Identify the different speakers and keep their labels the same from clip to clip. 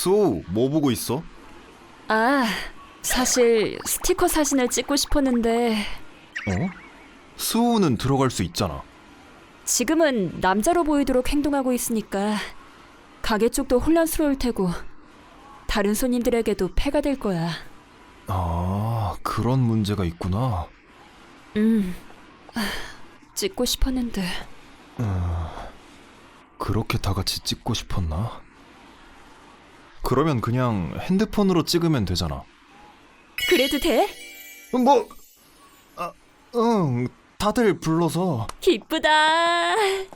Speaker 1: 소, 뭐 보고 있어?
Speaker 2: 아, 사실 스티커 사진을 찍고 싶었는데
Speaker 1: 어? 수호는 들어갈 수 있잖아.
Speaker 2: 지금은 남자로 보이도록 행동하고 있으니까 가게 쪽도 혼란스러울 테고 다른 손님들에게도 폐가 될 거야.
Speaker 1: 아, 그런 문제가 있구나.
Speaker 2: 찍고 싶었는데.
Speaker 1: 그렇게 다 같이 찍고 싶었나? 그러면 그냥 핸드폰으로 찍으면 되잖아.
Speaker 2: 그래도 돼?
Speaker 1: 뭐? 아, 응, 다들 불러서.
Speaker 2: 기쁘다.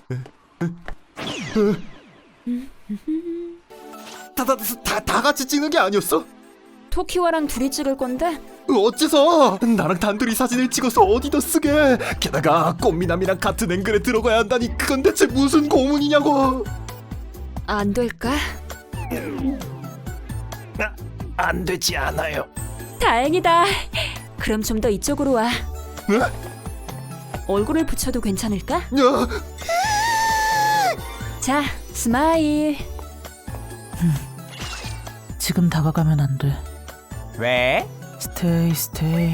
Speaker 1: 다 같이 찍는 게 아니었어?
Speaker 2: 토키와랑 둘이 찍을 건데
Speaker 1: 어째서? 나랑 단둘이 사진을 찍어서 어디다 쓰게? 게다가 꽃미남이랑 같은 앵글에 들어가야 한다니 그건 대체 무슨 고문이냐고.
Speaker 2: 안 될까?
Speaker 1: 안 되지 않아요.
Speaker 2: 다행이다. 그럼 좀 더 이쪽으로 와.
Speaker 1: 네?
Speaker 2: 얼굴을 붙여도 괜찮을까?
Speaker 1: 야,
Speaker 2: 자, 스마일.
Speaker 3: 지금 다가가면 안 돼.
Speaker 4: 왜?
Speaker 3: 스테이.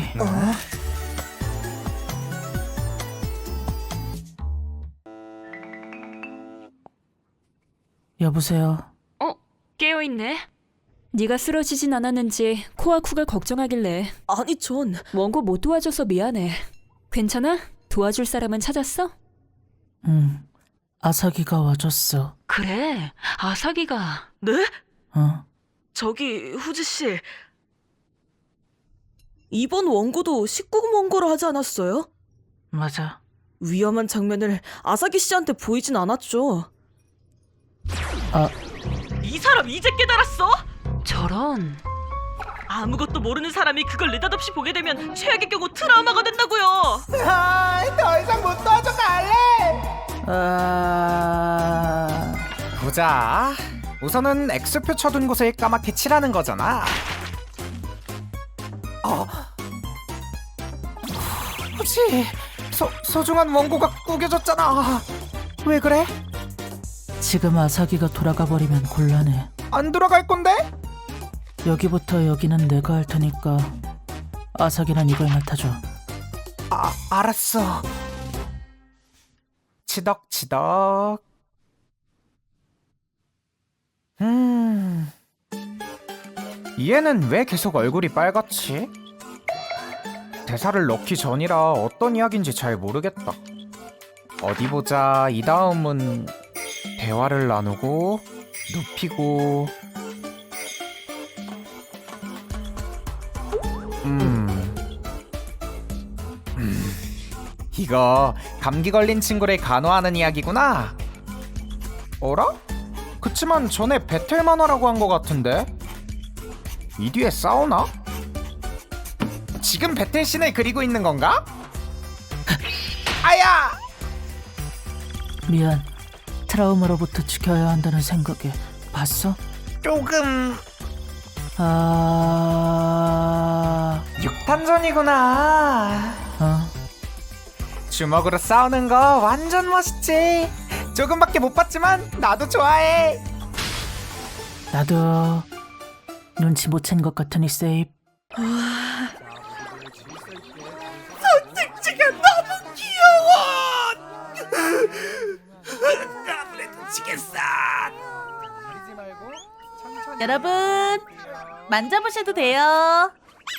Speaker 3: 여보세요.
Speaker 2: 깨어있네. 네가 쓰러지진 않았는지 코아쿠가 걱정하길래.
Speaker 5: 아니 전
Speaker 2: 원고 못 도와줘서 미안해. 괜찮아? 도와줄 사람은 찾았어?
Speaker 3: 응. 아사기가 와줬어.
Speaker 2: 그래, 아사기가.
Speaker 5: 네?
Speaker 3: 어?
Speaker 5: 후지 씨 이번 원고도 19금 원고를 하지 않았어요?
Speaker 3: 맞아.
Speaker 5: 위험한 장면을 아사기 씨한테 보이진 않았죠.
Speaker 3: 아,
Speaker 5: 이 사람 이제 깨달았어?
Speaker 2: 저런.
Speaker 5: 아무것도 모르는 사람이 그걸 느닷없이 보게 되면 최악의 경우 트라우마가 된다고요.
Speaker 4: 더 이상 못 도와줘 갈래. 보자. 우선은 X표 쳐둔 곳을 까맣게 칠하는 거잖아. 혹시 소중한 원고가 구겨졌잖아. 왜 그래?
Speaker 3: 지금 아사기가 돌아가 버리면 곤란해.
Speaker 4: 안 돌아갈 건데?
Speaker 3: 여기부터 여기는 내가 할 테니까 아사기는 이걸 맡아줘.
Speaker 4: 알았어. 치덕치덕. 얘는 왜 계속 얼굴이 빨갛지? 대사를 넣기 전이라 어떤 이야기인지 잘 모르겠다. 어디 보자. 이 다음은 대화를 나누고 눕히고. 이거 감기 걸린 친구를 간호하는 이야기구나. 어라? 그치만 전에 배틀 만화라고 한 것 같은데? 이 뒤에 싸우나? 지금 배틀 씬을 그리고 있는 건가? 아야!
Speaker 3: 미안. 트라우마로부터 지켜야 한다는 생각에. 봤어?
Speaker 4: 조금 6탄전이구나. 주먹으로 싸우는 거 완전 멋있지. 조금밖에 못 봤지만 나도 좋아해.
Speaker 3: 나도 눈치 못 챈 것 같으니 세입.
Speaker 4: 선택지가 너무 귀여워. 아무래도 지겠어.
Speaker 6: 여러분 만져보셔도 돼요.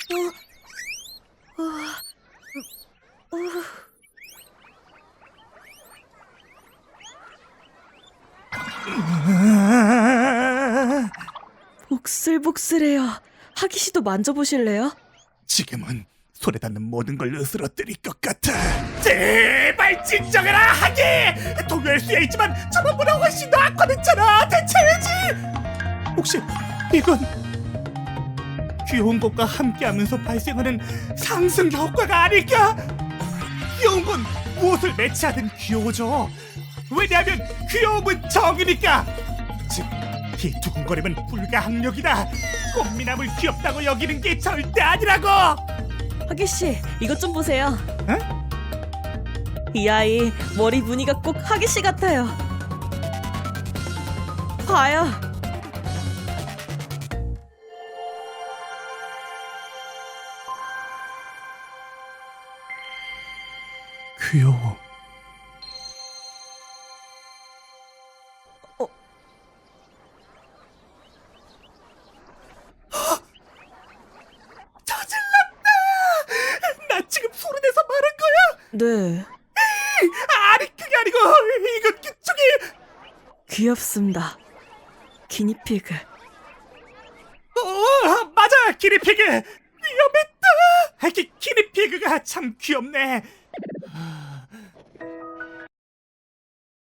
Speaker 5: 복슬복슬해요. 하기 씨도 만져보실래요?
Speaker 7: 지금은 손에 닿는 모든 걸 으스러뜨릴 것 같아. 제발 진정해라 하기. 동요일 수야 있지만 저번보다 훨씬 더 악화됐잖아. 대체 왜지? 혹시 이건 귀여운 것과 함께하면서 발생하는 상승 효과가 아닐까? 귀여운 건 무엇을 매치하든 귀여워져. 왜냐하면 귀여움은 정이니까. 즉, 이 두근거림은 불가항력이다. 꽃미남을 귀엽다고 여기는 게 절대 아니라고.
Speaker 5: 하기 씨, 이것 좀 보세요.
Speaker 7: 응?
Speaker 5: 이 아이 머리 무늬가 꼭 하기 씨 같아요. 봐요.
Speaker 1: 귀여워.
Speaker 7: 나 지금 소리내서 말한 거야?
Speaker 8: 네,
Speaker 7: 아니 그게 아니고 이거 저기
Speaker 8: 귀엽습니다. 기니피그.
Speaker 7: 맞아 기니피그 위험했다. 기니피그가 참 귀엽네.